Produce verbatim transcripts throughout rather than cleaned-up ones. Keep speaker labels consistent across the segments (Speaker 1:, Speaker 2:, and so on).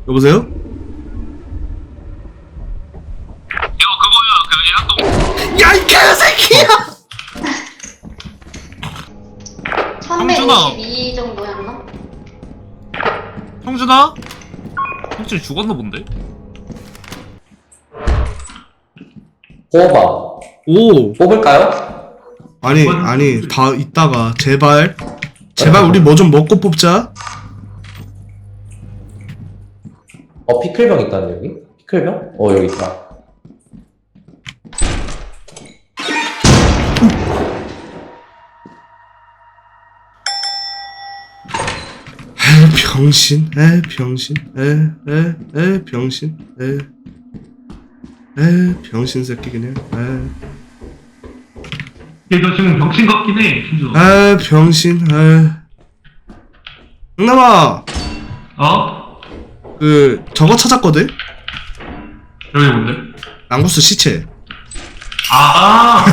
Speaker 1: 여보세요?
Speaker 2: 이거 그거야 그 예약동.
Speaker 1: 야 이 개새끼야!
Speaker 3: 천백오십이 정도였나?
Speaker 2: 형준아? 형준이 죽었나 본데?
Speaker 4: 뽑아.
Speaker 1: 오
Speaker 4: 뽑을까요?
Speaker 1: 아니 아니 다 이따가 제발 제발 우리 뭐 좀 먹고 뽑자.
Speaker 4: 어, 피클병 있다는데, 여기? 피클병? 어, 여기 있다.
Speaker 1: 에 병신 에 병신 에 에 에 병신 에 에 병신 새끼 그냥
Speaker 2: 얘너 지금 병신 같긴 해 형준아.
Speaker 1: 에 에 병신 에 응남아
Speaker 2: 어?
Speaker 1: 그 저거 찾았거든?
Speaker 2: 여기 뭔데?
Speaker 1: 랑구스 시체.
Speaker 2: 아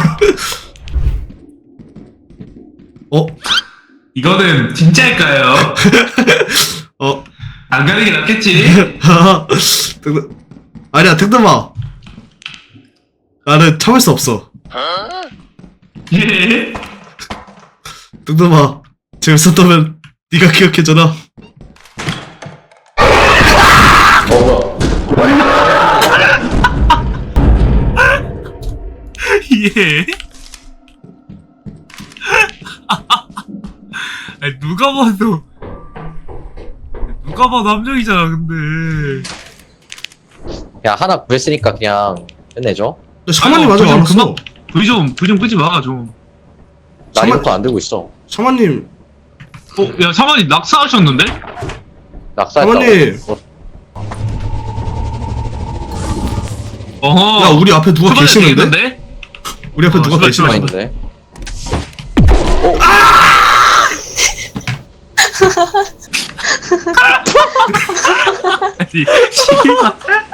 Speaker 1: 어?
Speaker 2: 이거는 진짜일까요?
Speaker 1: 어?
Speaker 2: 안 가는 게 낫겠지?
Speaker 1: 등등 아니야 등등아 나는 참을 수 없어.
Speaker 2: 예?
Speaker 1: 등등아 재밌었다면 네가 기억해줘라.
Speaker 4: 어, 뭐야.
Speaker 2: 예? 아니 누가 봐도 누가 봐도 함정이잖아 근데.
Speaker 4: 야, 하나 구했으니까 그냥 끝내줘.
Speaker 1: 근데 샤마님
Speaker 2: 아이고,
Speaker 1: 아직
Speaker 2: 불
Speaker 1: 안
Speaker 2: 좀
Speaker 1: 왔어.
Speaker 2: 불 좀, 불 좀 끄지 마, 좀.
Speaker 4: 나
Speaker 1: 잠깐만.
Speaker 4: 이것도 안 들고 있어.
Speaker 1: 샤마님
Speaker 2: 어, 야, 사만이 낙사하셨는데?
Speaker 4: 낙사했다고.
Speaker 1: 사모님.
Speaker 4: 어,
Speaker 2: 어허.
Speaker 1: 야 우리 앞에 누가
Speaker 2: 초반에
Speaker 1: 계시는데?
Speaker 2: 되겠는데?
Speaker 1: 우리 앞에
Speaker 2: 어,
Speaker 1: 누가
Speaker 2: 출발,
Speaker 1: 계시는데?
Speaker 2: 출발.
Speaker 4: 있는데.
Speaker 2: 아니, 씨발.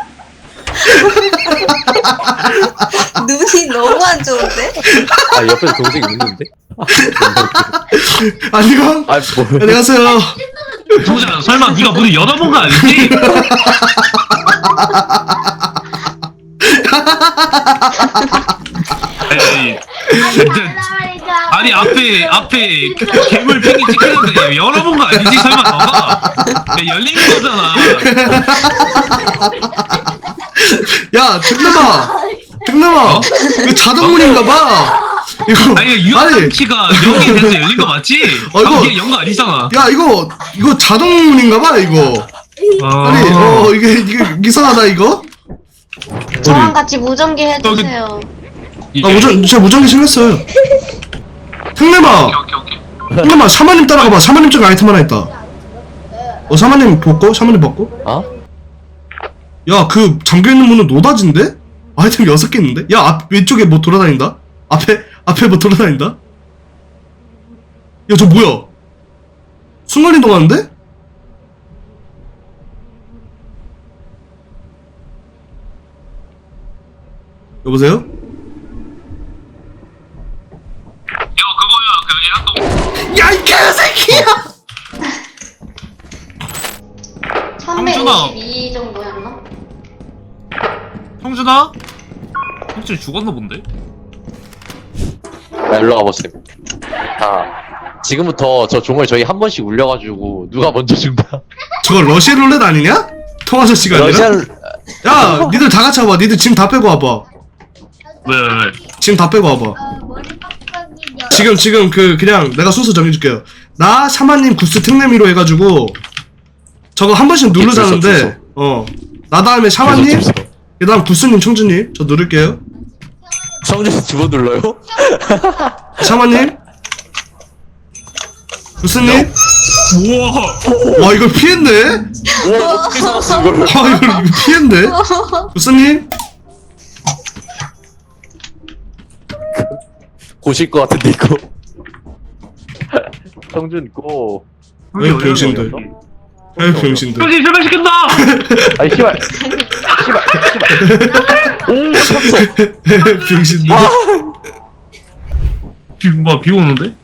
Speaker 3: 눈이 너무 안 좋은데?
Speaker 4: 아, 옆에서 동생이 웃는데?
Speaker 1: 안녕.
Speaker 4: 아, 뭐.
Speaker 1: 안녕하세요.
Speaker 2: 성재야, 설마 네가 문을 열어본 거 아니지? 아니, 아니 앞에 앞에 괴물 팽이 찍히는데 열어본 거 아니지? 설마 너가? 야, 열린 거잖아.
Speaker 1: 야 등남아 등남아 이거 자동문인가봐. 이거
Speaker 2: 아니 유압 키가 영이 돼서 열린 거 맞지?
Speaker 1: 어, 이거-
Speaker 2: 이게 영 거 아니잖아.
Speaker 1: 야 이거 이거 자동문인가봐 이거. 아니 어 이게 이게 이상하다 이거.
Speaker 3: 저랑 같이 무전기 해주세요.
Speaker 1: 아 무전 진짜 무전기 생겼어요. 등남아
Speaker 2: 오케이 오케이 오케이.
Speaker 1: 등남아 샤마님 따라가봐. 샤마님 쪽에 아이템 하나 있다. 어 샤마님 벗고 샤마님 벗고.
Speaker 4: 어?
Speaker 1: 야 그 잠겨있는 문은 노다진데? 아이템 여섯 개 있는데? 야 앞 왼쪽에 뭐 돌아다닌다? 앞에 앞에 뭐 돌아다닌다? 야 저 뭐야? 순간이동 하는데? 여보세요?
Speaker 2: 이거 그거야 그 예약동.
Speaker 1: 야 이 개새끼야!
Speaker 3: 천백오십이 정도였나?
Speaker 2: 형준아? 형준이 죽었나 본데?
Speaker 4: 야, 일로 와보세요. 아, 지금부터 저 종을 저희 한 번씩 울려가지고 누가 먼저 죽나?
Speaker 1: 저거 러시아 룰렛 아니냐? 통화자 시간 아니라?
Speaker 4: 러시안,
Speaker 1: 야 니들 다 같이 와봐. 니들 짐 다 빼고 와봐.
Speaker 2: 왜 왜 왜?
Speaker 1: 짐 다 빼고 와봐. 지금 지금 그 그냥 내가 순서 정해줄게요. 나 샤마님 구스 특례미로 해가지고 저거 한 번씩 누르자는데
Speaker 4: 주소,
Speaker 1: 어 나 다음에 샤마님
Speaker 4: 주소.
Speaker 1: 그 다음 구스님 청주님 저 누를게요.
Speaker 4: 성준이 두 번 눌러요?
Speaker 1: 샤마님 구스님
Speaker 2: 우와.
Speaker 1: 와 이걸 피했네.
Speaker 4: 와, 어떻게 살았어, 이걸?
Speaker 1: 아 이걸 이거 피했네. 구스님
Speaker 4: 고실 것 같은데, 이거. 성준, 고.
Speaker 1: 왜 병신들 에 병신들
Speaker 2: 형준이 출발시킨다.
Speaker 4: 아니, 씨발. 씨발, 씨발. 오, 쳤어.
Speaker 1: 병신들
Speaker 2: 비, 뭐, 비 오는데?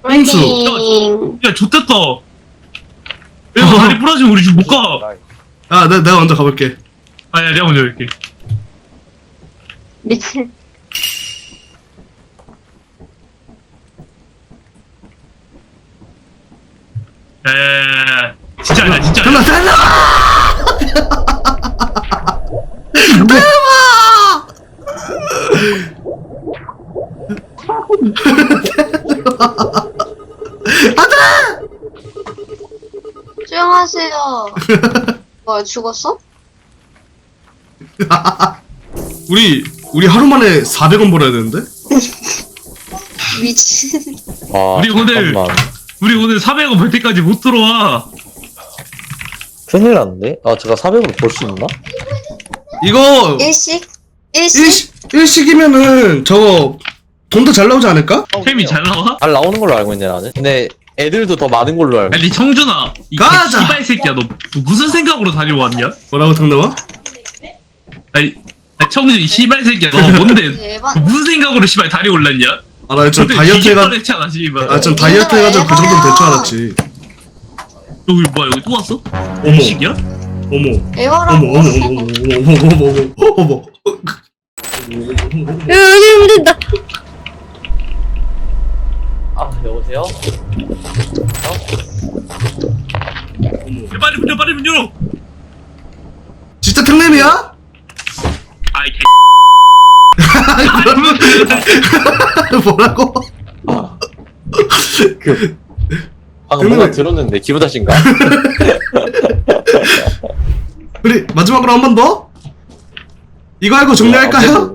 Speaker 1: 홍수
Speaker 2: 야, 좋댔다. 야, 다리 부러지면 우리 집 못 가.
Speaker 1: 아, 내, 내가 먼저 가볼게.
Speaker 2: 아니야, 내가 먼저 할게.
Speaker 3: 미친.
Speaker 2: 에, 진짜 아니야, 진짜 아니야.
Speaker 1: 달라, 달라!
Speaker 3: 조용하세요. 뭐야, 죽었어?
Speaker 1: 우리, 우리 하루 만에 사백 원 벌어야 되는데?
Speaker 3: 미친.
Speaker 4: 아,
Speaker 2: 우리 오늘-
Speaker 4: 잠깐만.
Speaker 2: 우리 오늘 사백 원 벌 때까지 못 들어와.
Speaker 4: 큰일 났는데? 아, 제가 사백으로 벌 수 있나?
Speaker 1: 이거,
Speaker 3: 일식? 일식?
Speaker 1: 일식, 일식이면은, 저거, 돈도 잘 나오지 않을까?
Speaker 2: 템이 잘 나와?
Speaker 4: 잘 나오는 걸로 알고 있네, 나는. 근데 애들도 더 많은 걸로 알고.
Speaker 2: 아니, 청준아. 이
Speaker 1: 가자!
Speaker 2: 씨발 새끼야, 너 무슨 생각으로 다녀왔냐?
Speaker 1: 뭐라고, 당나와?
Speaker 2: 아니, 아니 청준 이 씨발 새끼야, 너 뭔데?
Speaker 3: 대박.
Speaker 2: 너 무슨 생각으로 씨발 다녀올랐냐?
Speaker 1: 아, 나 좀 다이어트 해가,
Speaker 2: 했잖아, 씨발.
Speaker 1: 아, 좀 다이어트 해가지고 그 정도는 될 줄 알았지.
Speaker 2: 여기 뭐야, 여기 또 왔어?
Speaker 1: 어머.
Speaker 2: 일식이야?
Speaker 1: 어머.
Speaker 3: 에어라고.
Speaker 1: 어머, 어머, 어머, 어머, 어머, 어머, 어머, 어머.
Speaker 5: 여기 힘든다.
Speaker 4: 아, 여보세요?
Speaker 2: 야, 빨리 문 열어, 빨리 문 열어!
Speaker 1: 진짜 특nem이야?
Speaker 2: 아이, 개.
Speaker 1: 뭐라고?
Speaker 4: 아. 그, 방금 뭔가 들었는데, 기분 탓인가?
Speaker 1: 우리 마지막으로 한 번 더? 이거 알고 정리할까요?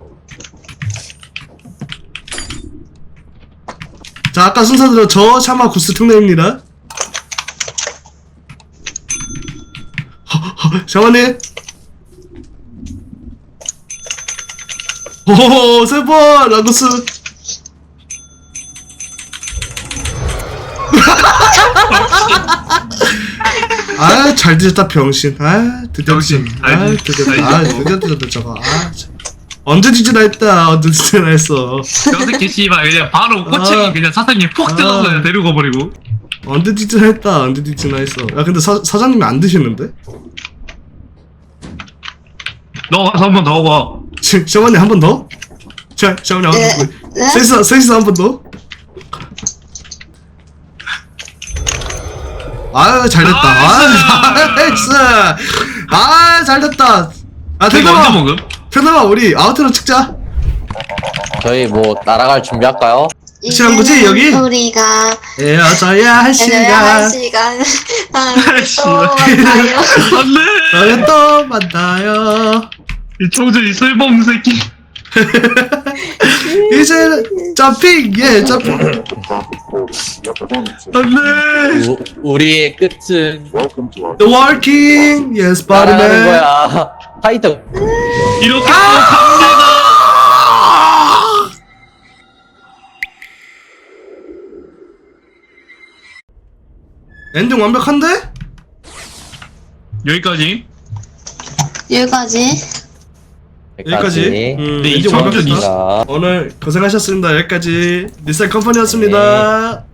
Speaker 1: 자, 아까 순서대로 저 샤마 구스 특례입니다. 샤마님. 오호, 세 번, 라구스. 아, 잘 뒤졌다, 병신. 아, 드디어
Speaker 2: 병신.
Speaker 1: 뒤졌- 아,
Speaker 2: 알지.
Speaker 1: 드디어, 아,
Speaker 2: 알지.
Speaker 1: 드디어 뒤졌다, 저거. 아, 참. 언제 뒤지나 했다, 언제 뒤지나 했어.
Speaker 2: 저 새끼 씨발 그냥 바로 꼬챙이
Speaker 1: 아.
Speaker 2: 그냥 사장님 푹 뜯어서
Speaker 1: 아.
Speaker 2: 그냥 데리고 버리고.
Speaker 1: 언제 뒤지나 했다, 언제 뒤지나 했어. 야, 근데 사, 사장님이 안 드시는데?
Speaker 2: 너 가서 한 번 더 와.
Speaker 1: 시, 샤마님 한 번 더? 자, 샤마님 한 번 더.
Speaker 3: 네?
Speaker 1: 셋이서, 셋이서 한 번 더. 아유, 잘 됐다. 아, 나이스. 아, 잘 됐다. 아,
Speaker 2: 저기 언제
Speaker 1: 태담아,
Speaker 2: 먹음?
Speaker 1: 태담아, 우리 아우트로 찍자.
Speaker 4: 저희 뭐, 날아갈 준비할까요?
Speaker 1: 시간 거지, 여기?
Speaker 3: 우리가
Speaker 1: 헤어져야 할
Speaker 3: 시간
Speaker 1: 시간.
Speaker 3: 시간 다음에 또
Speaker 1: 씨발.
Speaker 3: 만나요.
Speaker 2: 안돼.
Speaker 1: 너희 또 만나요.
Speaker 2: 이 청준 이 쓸모없는 새끼.
Speaker 1: 이제 점핑, 예, 점핑.
Speaker 2: 안돼.
Speaker 4: 우, 우리의 끝은
Speaker 1: The working, yes,
Speaker 4: 날아가는
Speaker 1: Spiderman.
Speaker 4: 거야. 파이터.
Speaker 2: 이렇게 또 갑니다.
Speaker 1: 엔딩 완벽한데?
Speaker 2: 여기까지.
Speaker 3: 여기까지.
Speaker 1: 여기까지. 음,
Speaker 2: 네,
Speaker 1: 엔딩
Speaker 2: 이제 완벽히
Speaker 1: 완벽했다. 오늘 고생하셨습니다. 여기까지 니셀 컴퍼니였습니다.